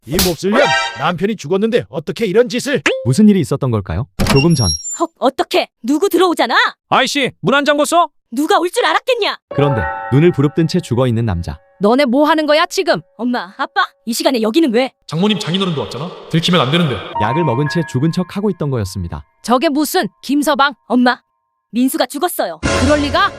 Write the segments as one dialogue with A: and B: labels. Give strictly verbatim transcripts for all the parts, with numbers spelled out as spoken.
A: 이 몹쓸 년, 남편이 죽었는데 어떻게 이런 짓을?
B: 무슨 일이 있었던 걸까요? 조금 전.
C: 헉, 어떡해. 누구 들어오잖아.
D: 아이씨, 문 안 잠궜어?
C: 누가 올 줄 알았겠냐.
B: 그런데 눈을 부릅뜬 채 죽어있는 남자.
E: 너네 뭐 하는 거야 지금?
C: 엄마, 아빠, 이 시간에 여기는 왜?
F: 장모님 장인어른도 왔잖아. 들키면 안 되는데.
B: 약을 먹은 채 죽은 척 하고 있던 거였습니다.
E: 저게 무슨 김서방?
C: 엄마, 민수가 죽었어요.
E: 그럴 리가?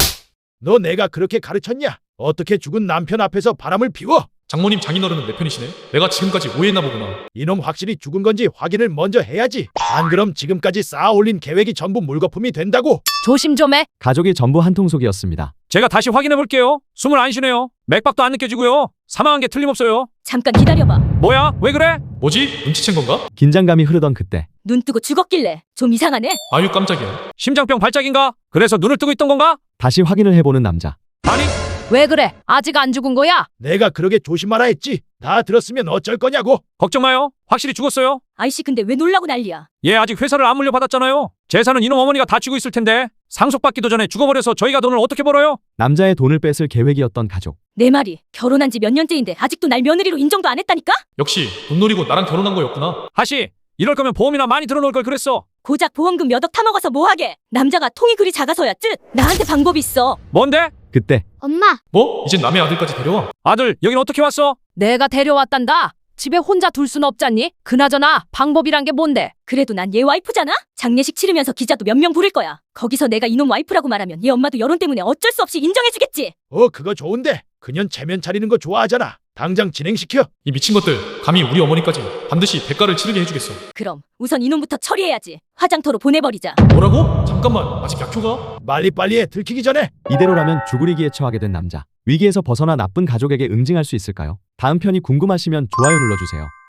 A: 너 내가 그렇게 가르쳤냐? 어떻게 죽은 남편 앞에서 바람을 피워?
F: 장모님 장인어른은 내 편이시네. 내가 지금까지 오해했나 보구나.
A: 이놈 확실히 죽은 건지 확인을 먼저 해야지. 안 그럼 지금까지 쌓아 올린 계획이 전부 물거품이 된다고.
E: 조심 좀 해.
B: 가족이 전부 한통속이었습니다.
D: 제가 다시 확인해 볼게요. 숨을 안 쉬네요. 맥박도 안 느껴지고요. 사망한 게 틀림없어요.
C: 잠깐 기다려봐.
D: 뭐야? 왜 그래?
F: 뭐지? 눈치챈 건가?
B: 긴장감이 흐르던 그때
C: 눈 뜨고 죽었길래 좀 이상하네.
F: 아유 깜짝이야.
D: 심장병 발작인가? 그래서 눈을 뜨고 있던 건가?
B: 다시 확인을 해보는 남자.
D: 아니,
E: 왜 그래? 아직 안 죽은 거야?
A: 내가 그러게 조심하라 했지. 다 들었으면 어쩔 거냐고.
D: 걱정 마요. 확실히 죽었어요.
C: 아이씨, 근데 왜 놀라고 난리야.
D: 얘 아직 회사를 안 물려받았잖아요. 재산은 이놈 어머니가 다 쥐고 있을 텐데 상속받기도 전에 죽어버려서 저희가 돈을 어떻게 벌어요?
B: 남자의 돈을 뺏을 계획이었던 가족.
C: 내 말이 결혼한 지 몇 년째인데 아직도 날 며느리로 인정도 안 했다니까?
F: 역시 돈 노리고 나랑 결혼한 거였구나.
D: 하시, 이럴 거면 보험이나 많이 들어놓을 걸 그랬어.
C: 고작 보험금 몇 억 타먹어서 뭐하게. 남자가 통이 그리 작아서야 쯧. 나한테 방법이 있어.
D: 뭔데?
B: 그때
G: 엄마,
F: 뭐? 이젠 남의 아들까지 데려와?
D: 아들, 여긴 어떻게 왔어?
E: 내가 데려왔단다. 집에 혼자 둘 순 없잖니? 그나저나 방법이란 게 뭔데?
C: 그래도 난 얘 와이프잖아? 장례식 치르면서 기자도 몇 명 부를 거야. 거기서 내가 이놈 와이프라고 말하면 얘 엄마도 여론 때문에 어쩔 수 없이 인정해주겠지.
A: 어, 그거 좋은데. 그년 체면 차리는 거 좋아하잖아. 당장 진행시켜.
F: 이 미친 것들 감히 우리 어머니까지 반드시 대가를 치르게 해주겠어.
C: 그럼 우선 이놈부터 처리해야지. 화장터로 보내버리자.
F: 뭐라고? 잠깐만 아직 약효가?
A: 빨리빨리 해. 들키기 전에.
B: 이대로라면 죽으리기에 처하게 된 남자. 위기에서 벗어나 나쁜 가족에게 응징할 수 있을까요? 다음 편이 궁금하시면 좋아요 눌러주세요.